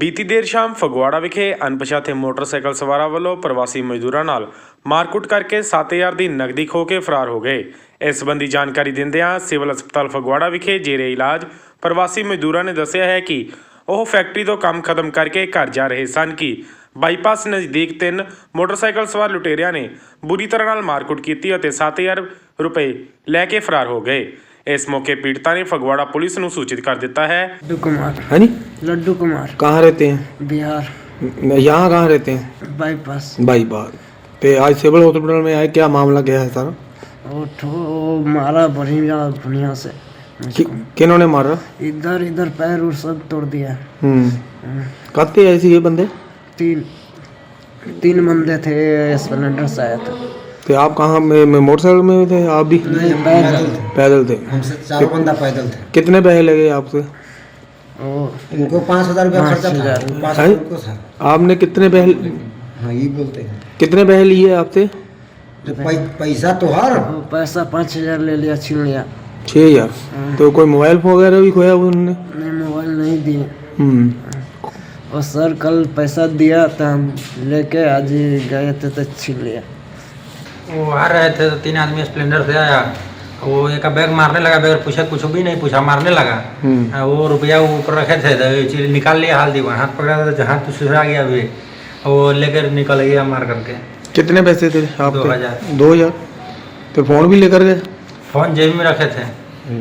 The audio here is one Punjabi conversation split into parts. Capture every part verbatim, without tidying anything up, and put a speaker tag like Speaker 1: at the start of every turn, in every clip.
Speaker 1: ਬੀਤੀ ਦੇਰ ਸ਼ਾਮ ਫਗਵਾੜਾ ਵਿਖੇ ਅਣਪਛਾਤੇ ਮੋਟਰਸਾਈਕਲ ਸਵਾਰਾਂ ਵੱਲੋਂ ਪ੍ਰਵਾਸੀ ਮਜ਼ਦੂਰਾਂ ਨਾਲ ਮਾਰਕੁੱਟ ਕਰਕੇ ਸੱਤ ਹਜ਼ਾਰ ਦੀ ਨਕਦੀ ਖੋਹ ਕੇ ਫਰਾਰ ਹੋ ਗਏ। ਇਸ ਸੰਬੰਧੀ ਜਾਣਕਾਰੀ ਦਿੰਦਿਆਂ ਸਿਵਲ ਹਸਪਤਾਲ ਫਗਵਾੜਾ ਵਿਖੇ ਜੇਰੇ ਇਲਾਜ ਪ੍ਰਵਾਸੀ ਮਜ਼ਦੂਰਾਂ ਨੇ ਦੱਸਿਆ ਹੈ ਕਿ ਉਹ ਫੈਕਟਰੀ ਤੋਂ ਕੰਮ ਖਤਮ ਕਰਕੇ ਘਰ ਜਾ ਰਹੇ ਸਨ ਕਿ ਬਾਈਪਾਸ ਨਜ਼ਦੀਕ ਤਿੰਨ ਮੋਟਰਸਾਈਕਲ ਸਵਾਰ ਲੁਟੇਰਿਆਂ ਨੇ ਬੁਰੀ ਤਰ੍ਹਾਂ ਨਾਲ ਮਾਰਕੁੱਟ ਕੀਤੀ ਅਤੇ ਸੱਤ ਹਜ਼ਾਰ रुपए लैके फरार हो गए। इस मौके पीड़िता ने फगवाड़ा पुलिस को सूचित कर दिता है।
Speaker 2: लड्डू कुमार।
Speaker 3: हाँ जी,
Speaker 2: लड्डू कुमार।
Speaker 3: कहाँ रहते हैं?
Speaker 2: बिहार।
Speaker 3: यहाँ कहाँ रहते हैं?
Speaker 2: बाईपास।
Speaker 3: बाईपास पे आज सिविल हॉस्पिटल में आए, क्या मामला क्या है सारा?
Speaker 2: वो ठो मारा बढ़िया बढ़िया से।
Speaker 3: कि, किन्होंने मारा?
Speaker 2: इधर इधर पैर और सब तोड़ दिया।
Speaker 3: हम्म कहते ऐसे ये बंदे
Speaker 2: तीन तीन बंदे थे, स्प्लेंडर से आए थे।
Speaker 3: तो आप कहाँ में, में मोटरसाइकिल में थे? आप भी
Speaker 2: पैदल
Speaker 3: पैदल थे?
Speaker 4: हमसे चार बंदा पैदल थे।
Speaker 3: कितने पैसे लगे आपसे?
Speaker 4: इनको पाँच हजार रुपया खर्चा था, पाँच हजार उनको था।
Speaker 3: आपने कितने पैसे?
Speaker 4: हाँ ये बोलते हैं।
Speaker 3: कितने पैसे लिए आपसे?
Speaker 4: जो पै, पैसा तो हर
Speaker 2: वो पैसा पाँच हजार ले लिया, छीन लिया।
Speaker 3: छः हजार तो कोई मोबाइल वगैरह भी खोया उन्होंने?
Speaker 2: नहीं, मोबाइल नहीं दिए।
Speaker 3: हम्म
Speaker 2: और सर कल पैसा दिया था, हम लेके आज ही गए थे तो छीन लिया।
Speaker 5: वो आ रहे थे तो तीन आदमी स्प्लेंडर से आया, वो एक बैग मारने लगा, बैग पूछा कुछ भी नहीं पूछा, मारने लगा। वो रुपया ऊपर रखे थे तो निकाल लिया, हाल दी हाथ पकड़ा था, हाथ तो सुसरा गया अभी, वो लेकर निकल गया मार करके।
Speaker 3: कितने पैसे थे आप?
Speaker 5: दो हजार।
Speaker 3: दो हजार तो फोन भी लेकर गए?
Speaker 5: फोन जेब में रखे थे।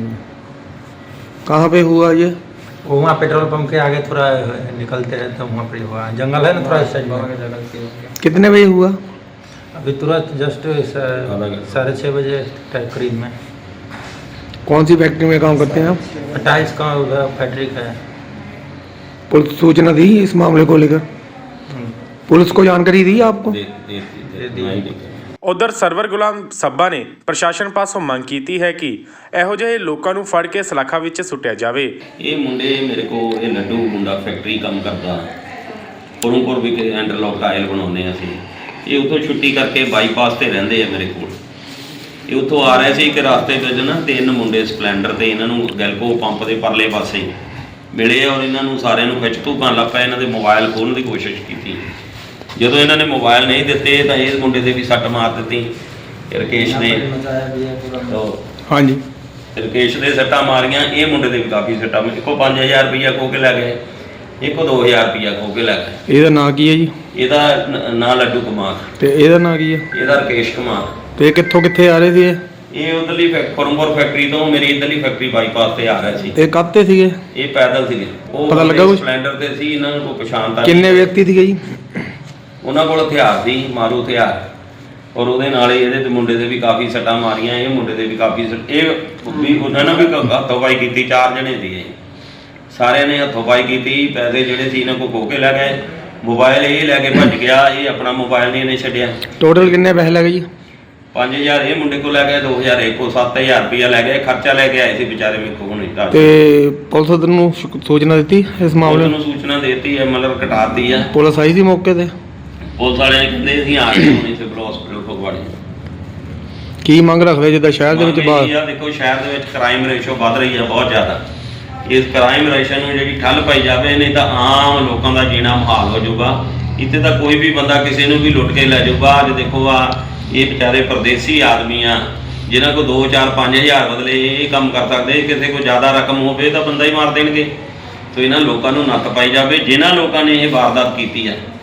Speaker 3: कहाँ पे हुआ ये?
Speaker 5: वो वहाँ पेट्रोल पंप के आगे थोड़ा निकलते हैं तो वहाँ पर हुआ, जंगल है ना थोड़ा इस साइड में।
Speaker 3: कितने बजे हुआ?
Speaker 5: अभी तुरंत जस्ट साढ़े छः बजे करीब में।
Speaker 3: कौन सी फैक्ट्री में काम करते हैं आप?
Speaker 5: टाइल्स का उधर फैक्ट्री का है।
Speaker 3: पुलिस सूचना दी इस मामले को लेकर? पुलिस को जानकारी दी आपको?
Speaker 1: उधर सरवर गुलाम सब्बा ने प्रशासन पासों मंग की है कि ਇਹੋ ਜਿਹੇ ਲੋਕਾਂ ਨੂੰ ਫੜ ਕੇ ਸਲਾਖਾਂ ਵਿੱਚ ਸੁੱਟਿਆ ਜਾਵੇ।
Speaker 6: ਇਹ ਮੁੰਡੇ ਮੇਰੇ ਕੋਲ ਇਹ ਲੱਡੂ ਮੁੰਡਾ ਫੈਕਟਰੀ ਕੰਮ ਕਰਦਾ, ਪੁਰਮਪੁਰ ਵਿਖੇ ਇੰਟਰਲੌਕ ਟਾਇਲ ਬਣਾਉਂਦੇ ਹਾਂ ਅਸੀਂ। ਇਹ ਉੱਥੋਂ ਛੁੱਟੀ ਕਰਕੇ ਬਾਈਪਾਸ ਤੇ ਰਹਿੰਦੇ ਆ ਮੇਰੇ ਕੋਲ। ਇਹ ਉੱਥੋਂ ਆ ਰਹੇ ਸੀ ਕਿ ਰਸਤੇ ਵਿੱਚ ਨਾ ਤਿੰਨ ਮੁੰਡੇ ਸਪਲੈਂਡਰ ਤੇ ਇਹਨਾਂ ਨੂੰ ਗੈਲਕੋ ਪੰਪ ਦੇ ਪਰਲੇ ਪਾਸੇ ਮਿਲੇ ਔਰ ਇਹਨਾਂ ਨੂੰ ਸਾਰਿਆਂ ਨੂੰ ਖਿੱਚ ਧੂਕਾਂ ਲੱਗ ਪਿਆ। ਇਹਨਾਂ ਦੇ ਮੋਬਾਈਲ ਖੋਲ੍ਹਣ ਦੀ ਕੋਸ਼ਿਸ਼ ਕੀਤੀ। ਜਦੋਂ ਇਹਨਾਂ ਨੇ ਮੋਬਾਈਲ ਨਹੀਂ ਦਿੱਤੇ ਤਾਂ ਇਹ ਮੁੰਡੇ ਦੇ ਵੀ ਸੱਟ ਮਾਰ ਦਿੱਤੀ। ਰਕੇਸ਼ ਨੇ
Speaker 3: ਹਾਂਜੀ
Speaker 6: ਰਕੇਸ਼ ਦੇ ਸੱਟਾਂ ਮਾਰੀਆਂ, ਇਹ ਮੁੰਡੇ ਦੇ ਵੀ ਕਾਫੀ ਸੱਟਾਂ। ਇੱਕੋ ਪੰਜ ਹਜ਼ਾਰ ਰੁਪਈਆ ਖੋਹ ਕੇ ਲੈ ਗਏ, ਇੱਕੋ ਦੋ ਹਜ਼ਾਰ ਰੁਪਈਆ ਖੋਹ ਕੇ ਲੈ ਗਏ।
Speaker 3: ਇਹਦਾ ਨਾਂ ਕੀ ਹੈ ਜੀ?
Speaker 6: ਇਹਦਾ ਨਾਂ ਲੱਡੂ ਕੁਮਾਰ
Speaker 3: ਤੇ ਇਹਦਾ ਨਾਂ ਕੀ ਹੈ?
Speaker 6: ਇਹਦਾ ਰਕੇਸ਼ ਕੁਮਾਰ।
Speaker 3: ਤੇ ਇਹ ਕਿੱਥੋਂ ਕਿੱਥੇ ਆ ਰਹੇ ਸੀ ਇਹ?
Speaker 6: ਇਹ ਉਧਰਲੀ ਫਰਮਪੁਰ ਫੈਕਟਰੀ ਤੋਂ ਮੇਰੀ ਇਧਰਲੀ ਫੈਕਟਰੀ ਬਾਈਪਾਸ ਤੇ ਆ ਰਹੇ ਸੀ।
Speaker 3: ਇਹ ਕਾਹਤੇ ਸੀਗੇ?
Speaker 6: ਇਹ ਪੈਦਲ ਸੀਗੇ। ਉਹ
Speaker 3: ਪਤਾ ਲੱਗਾ ਕੁਛ?
Speaker 6: ਸਪਲੈਂਡਰ ਤੇ ਸੀ। ਇਹਨਾਂ ਨੂੰ ਕੋਈ ਪਛਾਣ ਤਾਂ
Speaker 3: ਕਿੰਨੇ ਵਿਅਕਤੀ ਸੀਗੇ ਜੀ?
Speaker 6: ਉਹਨਾਂ ਕੋਲ ਹਥਿਆਰ ਸੀ, ਮਾਰੂ ਹਥਿਆਰ, ਔਰ ਉਹਦੇ ਨਾਲ ਇਹਦੇ ਤੇ ਮੁੰਡੇ ਦੇ ਵੀ ਕਾਫੀ ਸੱਟਾਂ ਮਾਰੀਆਂ। ਇਹ ਮੁੰਡੇ ਦੇ ਵੀ ਕਾਫੀ ਇਹ ਵੀ ਉਹਨਾਂ ਨੇ ਵੀ ਹੱਥੋਂ-ਪਾਈ ਕੀਤੀ। ਚਾਰ ਜਣੇ ਸੀਗੇ, ਸਾਰਿਆਂ ਨੇ ਹੱਥੋਂ-ਪਾਈ ਕੀਤੀ। ਪੈਸੇ ਜਿਹੜੇ ਸੀ ਇਹਨਾਂ ਕੋਲ ਖੋਹ ਕੇ ਲੈ ਗਏ। ਮੋਬਾਈਲ ਇਹ ਲੈ ਕੇ ਭੱਜ ਗਿਆ। ਇਹ ਆਪਣਾ ਮੋਬਾਈਲ ਨਹੀਂ ਇਹਨੇ ਛੱਡਿਆ।
Speaker 3: ਟੋਟਲ ਕਿੰਨੇ ਪੈਸੇ ਲੱਗੇ ਜੀ?
Speaker 6: ਪੰਜ ਹਜ਼ਾਰ ਇਹ ਮੁੰਡੇ ਕੋਲ ਲੈ ਗਏ, ਦੋ ਹਜ਼ਾਰ ਇਹ ਕੋਲ, ਸੱਤ ਹਜ਼ਾਰ ਰੁਪਇਆ ਲੈ ਗਏ। ਖਰਚਾ ਲੈ ਕੇ ਆਏ ਸੀ ਵਿਚਾਰੇ ਮੇਰੇ ਕੋਲ। ਹੁਣ
Speaker 3: ਤੇ ਪੁਲਿਸ ਨੂੰ ਸੂਚਨਾ ਦਿੱਤੀ ਇਸ ਮਾਮਲੇ
Speaker 6: ਨੂੰ? ਸੂਚਨਾ ਦੇਤੀ ਹੈ, ਮਤਲਬ ਕਟਾਤੀ ਆ।
Speaker 3: ਪੁਲਿਸ ਆਈ ਸੀ ਮੌਕੇ ਤੇ?
Speaker 6: ਪੁਲਿਸ ਵਾਲਿਆਂ ਨੇ ਕਹਿੰਦੇ ਅਸੀਂ ਆ ਗਏ ਹੁਣੇ ਸਿਵਲ ਹਸਪੀਟਲ ਫਗਵਾੜੇ।
Speaker 3: ਕੀ ਮੰਗ ਰੱਖਦੇ ਜਿੱਦਾਂ ਸ਼ਹਿਰ ਦੇ ਵਿੱਚ ਬਾਹਰ?
Speaker 6: ਆ ਦੇਖੋ ਸ਼ਹਿਰ ਦੇ ਵਿੱਚ ਕ੍ਰਾਈਮ ਰੇਸ਼ੋ ਵੱਧ ਰਹੀ ਹੈ ਬਹੁਤ ਜ਼ਿਆਦਾ। ਇਸ ਕ੍ਰਾਈਮ ਰੇਸ਼ੋ ਨੂੰ ਜਿਹੜੀ ਠੱਲ ਪਾਈ ਜਾਵੇ, ਨਹੀਂ ਤਾਂ ਆਮ ਲੋਕਾਂ ਦਾ ਜੀਣਾ ਮੁਹਾਲ ਹੋ ਜਾਊਗਾ। ਇੱਥੇ ਤਾਂ ਕੋਈ ਵੀ ਬੰਦਾ ਕਿਸੇ ਨੂੰ ਵੀ ਲੁੱਟ ਕੇ ਲੈ ਜਾਊਗਾ। ਅੱਜ ਦੇਖੋ ਆ ਇਹ ਵਿਚਾਰੇ ਪਰਦੇਸੀ ਆਦਮੀ ਆ, ਜਿਨ੍ਹਾਂ ਕੋਲ ਦੋ ਚਾਰ ਪੰਜ ਹਜ਼ਾਰ ਬਦਲੇ ਇਹ ਕੰਮ ਕਰ ਸਕਦੇ। ਕਿਸੇ ਕੋਲ ਜ਼ਿਆਦਾ ਰਕਮ ਹੋਵੇ ਤਾਂ ਬੰਦਾ ਹੀ ਮਾਰ ਦੇਣਗੇ। ਸੋ ਇਹਨਾਂ ਲੋਕਾਂ ਨੂੰ ਨੱਥ ਪਾਈ ਜਾਵੇ ਜਿਨ੍ਹਾਂ ਲੋਕਾਂ ਨੇ ਇਹ ਵਾਰਦਾਤ ਕੀਤੀ ਹੈ।